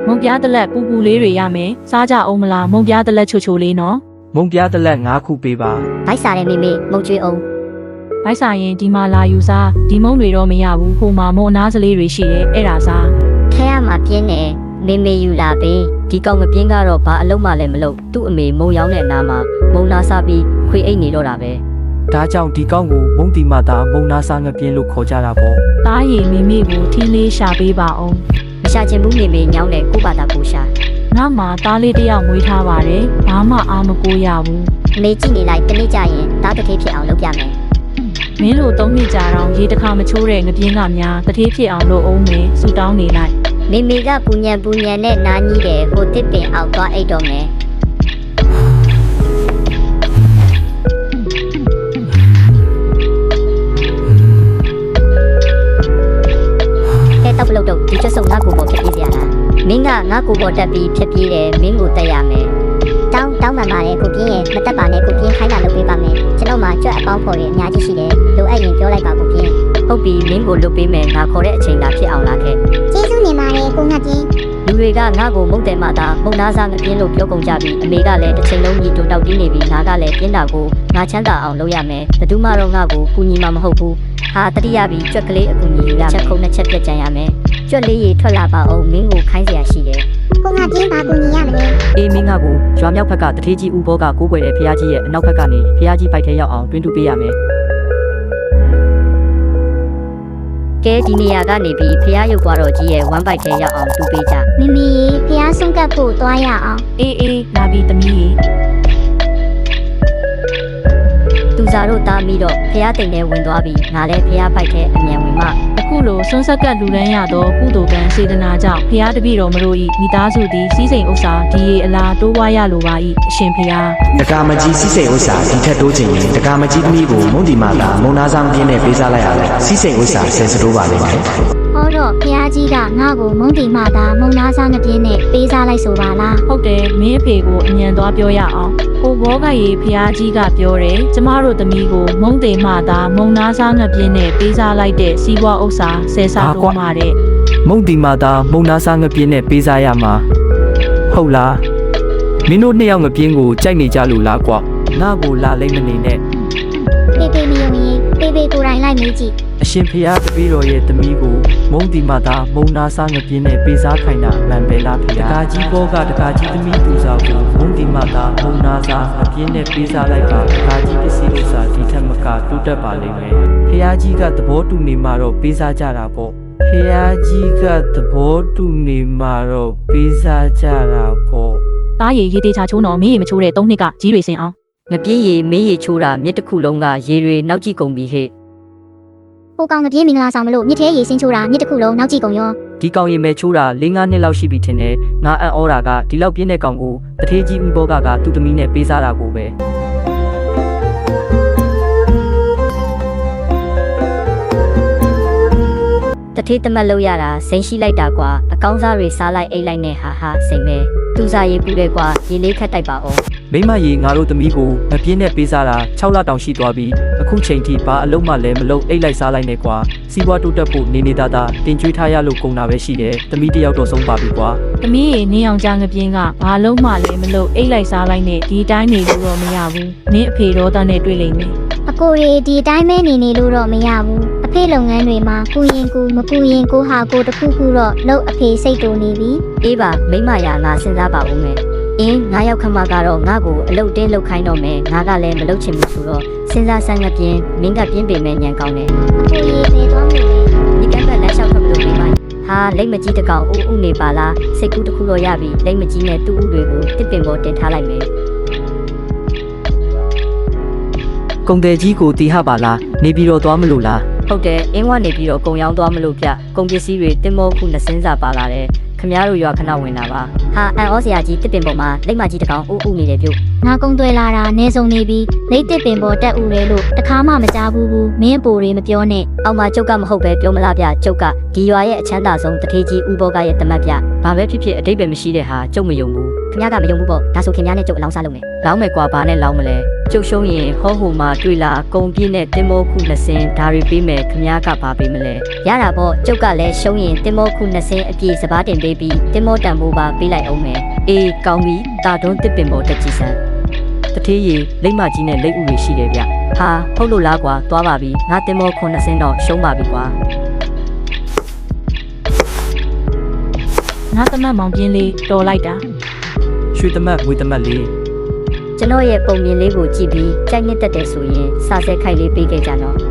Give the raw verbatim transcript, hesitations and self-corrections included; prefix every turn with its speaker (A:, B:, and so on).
A: မုံပြားတလက်ပူပူလေးတွေရမယ်စားကြအောင်မလားမုံပြားတလက်ချိုချိုလေးနော်
B: မုံပြားတလက်ငါးခုပေးပါ
C: ဗိုက်စားတဲ့မိမိမုံကျွေးအောင်
A: ဗိုက်စားရင်ဒီမှာလာယူစားဒီမုံတွေတော့မရဘူးဟိုမှာမုံအနားစလေးတွေရှိတယ်အဲ့ဒါစား
C: ခဲရမှာပြင်းနေမေမေယူလာပေးဒီကောင်မပြင်းကတော့ဘာအလုံးမှလည်းမလုပ်သူ့အမေမုံရောင်းတဲ့နားမှာမုံနာစားပြီးခွေအိတ်နေတော့တာပဲ
B: ဒါကြောင့်ဒီကောင်ကိုမုံတီမတာမုံနာစားငပြင်းလို့ခေါ်ကြတာပေါ့
A: တားရည်မိမိကိုထင်းလေးရှာပေးပါအောင်
C: မရှာချင်ဘူးမေမေညောင်းတဲ့ကိုပါတာကိုရှာ
A: ငါမှတားလေးတယောက်မွေးထားပါတယ်ဘာမှအားမကိုရဘူး
C: အမေကြည့်နေလိုက်တနေ့ကျရင်တားတစ်ထေးဖြစ်အောင်လုပ်ပြမယ်
A: မင်းတို့သုံးနှစ်ကြာတော့ရေတစ်ခါမချိုးတဲ့ငပြင်းကများတစ်ထေးဖြစ်အောင်လုပ်အောင်မယ်ဆူတောင်းနေလိုက်
C: မေမေကပူညံပူညံနဲ့နားကြီးတယ်ဟိုတစ်ပင်အောက်သွားအိတ်တော့မယ်တော့ဘလို့တော့ဒီချက်စုံငါ့ကိုပေါ်ဖြစ်ပြေးစရာလားမင်းကငါ့ကိုပေါ်တက်ပြီးဖြစ်ပြေးတယ်မင်းကိုတက်ရမယ်တောင်းတောင်းမှန်ပါတယ်ကိုပြင်းရဲ့မတက်ပါနဲ့ကိုပြင်းခိုင်းတာလုပ်ပေးပါမယ်ကျွန်တော်မှကြွက်အပေါင်းဖော်ရအများကြီးရှိတယ်လိုအပ်ရင်ပြောလိုက်ပါကိုပြင်းဟုတ်ပြီမင်းကိုလွတ်ပေးမယ်ငါခေါ်တဲ့အချိန်သာဖြစ်အောင်လားခဲ့ကျေးဇူးနေပါတယ်ကိုငါပြင်းလူတွေကငါ့ကိုမုတ်တယ်မှသာမုံနာစားငပြင်းလို့ပြောကုန်ကြပြီးအမေကလည်းတစ်ချိန်လုံးညီတူတောက်တင်းနေပြီးငါကလည်းပြင်းတာကိုငါချမ်းသာအောင်လုပ်ရမယ်ဘယ်သူမှတော့ငါ့ကိုကူညီမှာမဟုတ်ဘူးဟာတတိယပြီးကြွက်ကလေးအကူညီယူရချက်ခုံနှစ်ချက်ပြတ်ကြံရမယ်ကြွက်လေးရေထွက်လာပါအောင်မင်းကိုခိုင်းเสียရှိတယ်ကိုငါချင်းပါကူညီရမလဲအေးမင်းငါကိုရွာမြောက်ဘက်ကတထေးကြီးဦးဘောကကိုးကွယ်တဲ့ဖះကြီးရဲ့အနောက်ဘက်ကနေဖះကြီးပိုက်ထဲရောက်အောင်တွင်းတူပေးရမယ်ကဲဒီနေရာကနေပြီးဖះရုပ်သွားတော့ကြီးရဲ့ဝမ်းပိုက်ထဲရောက်အောင်တူပေးကြမမီဖះဆုံးကပ်ဖို့သွားရအောင်
A: အေးအေးလာပြီသမီး
C: သူစားတို့တားပြီးတော့ဖះတိမ်ထဲဝင်သွားပြီးငါလည်းဖះပိုက်ထဲအမြန်ဝင်မှ
A: အခုလိုဆွန်းဆက်ကလူရန်ရသောကုသိုလ်ကံစေတနာကြောင့်ဖះတပည့်တော်မတို့၏မိသားစုသည်စီးစိမ်ဥစ္စာဒီရေအလားတိုးပွားရလိုပါ၏အရှင်ဖះ
D: တကာမကြီးစီးစိမ်ဥစ္စာဒီထက်တိုးချင်ရင်တကာမကြီးသမီးကိုမုံဒီမာတာမုံနာဆောင်ပြင်းနဲ့ပေးစားလိုက်ရမယ်စီးစိမ်ဥစ္စာဆယ်စတိုးပါလိမ့်မယ်
C: ဟောတော့ဖះကြီးကငါ့ကိုမုံတီမာတာမုံနာဆောင်ပြင်းနဲ့ပေးစားလိုက်ဆိုပါလား
A: ဟုတ်တယ်မင်းအဖေကိုအမြန်သွားပြောရအောင်ကိုဘောကရေဖះကြီးကပြောတယ်ကျမတို့သမီးကိုမုံတေမှသာမုံနာစားငပြင်းနဲ့ပေးစားလိုက်တဲ့စီးပွားဥစ္စာဆယ်စားတိုးမှတဲ့
B: မုံတီမာတာမုံနာစားငပြင်းနဲ့ပေးစားရမှာဟုတ်လားမင်းတို့နှစ်ယောက်ငပြင်းကိုကြိုက်နေကြလို့လားကွာငါ့ကိုလာလိမ့်မနေနဲ့
C: ပေပေမီယုံကြီးပေပေကိုယ်တိုင်လိုက်မေးကြည့်
B: အရှင်ဖះတပည့်တော်ရဲ့သမီးကိုမုံတီမာတာမုံနာစားငပြင်းနဲ့ပေးစားခိုင်းတာမှန်ပဲလားဖះတကာကြီးဘောကတကာကြီးသမီးသူစားကိုမုံတီမာတာမုံနာစားငပြင်းနဲ့ပေးစားလိုက်ပါတကာကြီးပစ္စည်းဥစ္စာဒီထက်မကတိုးတက်ပါလိမ့်မယ်ဖះကြီးကသဘောတူနေမှာတော့ပေးစားကြတာပေါ့ဖះကြီးကသဘောတူနေမှာတော့ပေးစားကြတာပေါ့
A: တားရည်ရေတေချာချိုးတော့မင်းရေမချိုးတဲ့သုံးနှစ်ကကြီးတွေစင်အောင်
C: ငပြင်းရည်မင်းရည်ချိုးတာမြစ်တစ်ခုလုံးကရေတွေနောက်ကြည့်ကုန်ပြီဟဲ့ဟိုကောင်ငပြင်းမင်္ဂလာဆောင်မလို့မြစ်ထဲရေစင်းချိုးတာမြစ်တစ်ခုလုံးနောက်ကြည့်ကုန်ရော
B: ဒီကောင်ရေမဲချိုးတာ၄-၅နှစ်လောက်ရှိပြီထင်တယ်ငါအံ့ဩတာကဒီလောက်ပြင်းတဲ့ကောင်ကိုတထေးကြီးဦးဘောကကသူ့သမီးနဲ့ပေးစားတာကိုပဲ
C: တထေးတမက်လို့ရတာစိန်ရှိလိုက်တာကွာအကောင်းစားတွေစားလိုက်အိတ်လိုက်နဲ့ဟာဟာစိန်ပဲသူစားရေးပူတယ်ကွာရေလေးခတ်တိုက်ပါအောင်
B: မိမရေငါတို့သမီးကိုမပြင်းနဲ့ပေးစားတာ၆လတောင်ရှိသွားပြီအခုချိန်ထိဘာအလုံးမှလည်းမလုံးအိတ်လိုက်စားလိုက်နဲ့ကွာစီးပွားတိုးတက်ဖို့နေနေသားသားတင်ကြွေးထားရလို့ကုန်တာပဲရှိတယ်သမီးတယောက်တော့ဆုံးပါပြီကွာ
A: သမီးရေနင်းအောင်ကြငပြင်းကဘာလုံးမှလည်းမလုံးအိတ်လိုက်စားလိုက်နဲ့ဒီတိုင်းနေလို့တော့မရဘူးနင်းအဖေတော်သားနဲ့တွေ့လိမ့်မယ်
C: အကိုရေဒီတိုင်းမဲနေနေလို့တော့မရဘူးအဖေလုပ်ငန်းတွေမှာကူရင်ကူမကူရင်ကိုဟာကိုတခုခုတော့လို့အဖေစိတ်တူနေပြီအေးပါမိမရငါစဉ်းစားပါဦးမယ်အင်းငါရောက်ခမကတော့ငါ့ကိုအလုတ်တင်းလုတ်ခိုင်းတော့မယ်ငါကလည်းမလုတ်ချင်ဘူးဆိုတော့စဉ်းစားဆန်းကပြင်းမင်းကပြင်းပေမဲ့ညံကောင်းတယ်အဖေရေပဲသွားမယ်ဒီကံကလက်လျှောက်ခမလို့မိမဟာလိမ့်မကြီးတကောင်ဦးဦးနေပါလားစိတ်ကူးတစ်ခုတော့ရပြီလိမ့်မကြီးနဲ့တူးဦးတွေကိုတစ်ပင်ပေါ်တင်ထားလိုက်မယ်
B: ကုံတယ်ကြီးကိုတီးဟပါလားနေပြီးတော့သွားမလို့လား
C: ဟုတ်တယ်အင်းဝနေပြီးတော့ကုံရောင်းသွားမလို့ပြကုံပစ္စည်းတွေတင်မောခုနှစ်စင်းစာပါလာတယ်ခမရတို့ရွာခဏဝင်တာပါဟာအန်ဩစရာကြီးတစ်ပင်ပေါ်မှာလိမ့်မကြီးတကောင်ဦးဦးနေတယ်ပြုတ်ငါကုံသွဲလာတာနေဆုံးနေပြီးလိမ့်တစ်ပင်ပေါ်တက်ဦးလေလို့တခါမှမကြားဘူးဘူးမင်းပိုတွေမပြောနဲ့အောက်မှာကျုပ်ကမဟုတ်ပဲပြောမလားဗျကျုပ်ကဒီရွာရဲ့အချမ်းသာဆုံးတထေးကြီးဦးဘောကရဲ့တမတ်ဗျဘာပဲဖြစ်ဖြစ်အတိတ်ပဲမရှိတဲ့ဟာကျုပ်မယုံဘူးခမရကမယုံဘူးပေါ့ဒါဆိုခင်ဗျားနဲ့ကျုပ်အလောင်းစားလုပ်မယ်လောင်းမယ်ကွာဘာနဲ့လောင်းမလဲ
E: ကျုပ်ရှုံးရင်ဟောဟိုမှာတွေ့လာကုံပြည့်နဲ့တင်မောခုနှစ်စင်းဒါတွေပေးမယ်ခမားကပါပေးမလဲ
C: ရတာပေါ့ကျုပ်ကလည်းရှုံးရင်တင်မောခုနှစ်စင်းအပြည့်စပားတင်ပေးပြီးတင်မောတန်ဖိုးပါပေးလိုက်အောင်မယ်
E: အေးကောင်းပြီတာတွန်းတစ်ပင်ပေါ်တက်ကြည့်စမ်းတထေးရီလိမ့်မကြီးနဲ့လိမ့်ဥတွေရှိတယ်ဗျဟာဟုတ်လို့လားကွာသွားပါပြီငါတင်မောခုနှစ်စင်းတော့ရှုံးပါပြီကွာ
A: ငါသမက်မောင်ပြင်းလေးတော်လိုက်တာ
B: ရွှေသမက်ငွေသမက်လေး
C: ကျွန်တော်ရဲ့ပုံမြင်လေးကိုကြည့်ပြီးကြိုက်နှစ်သက်တယ်ဆိုရင်စာစဲခိုက်လေးပေးခဲ့ကြတော့